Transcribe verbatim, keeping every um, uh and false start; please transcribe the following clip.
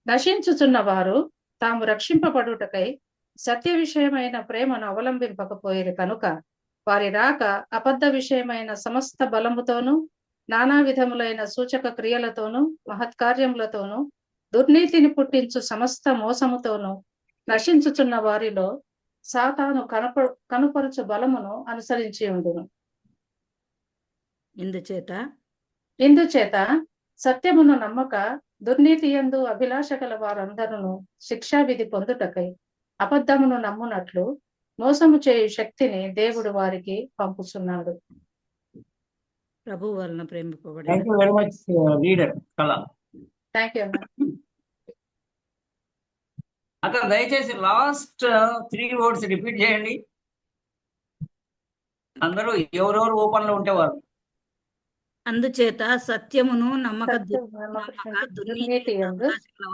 నశించుచున్న వారు తాము రక్షింపబడుటకై సత్య విషయమైన ప్రేమను అవలంబింపకపోయేది కనుక వారి రాక అబద్ధ విషయమైన సమస్త బలముతోనూ నానా విధములైన సూచక క్రియలతోనూ మహత్కార్యములతోనూ దుర్నీతిని పుట్టించు సమస్త మోసముతోనూ నశించుచున్న వారిలో సాతాను కనప కనుపరుచు బలమును అనుసరించి ఉండును. ఇందుచేత ఇందుచేత సత్యమును నమ్మక దుర్నీతి యందు అభిలాష గల వారందరూ శిక్షావిధి పొందుటకై అబద్ధమును నమ్మునట్లు మోసము చేయు శక్తిని దేవుడు వారికి పంపుచున్నాడు. ప్రభు వలన ప్రేమింపబడిన thank you very much leader కళ. థ్యాంక్ యూ అన్న. అక్కడ దయచేసి లాస్ట్ త్రీ వర్డ్స్ రిపీట్ చేయండి అందరూ, ఎవరెవరు ఓపెన్ లో ఉంటేవారు. అందుచేత సత్యమును నమ్మక సత్యమును నమ్మక నమ్మక దుర్నీతి దుర్నీతి యందు అభిలాష గల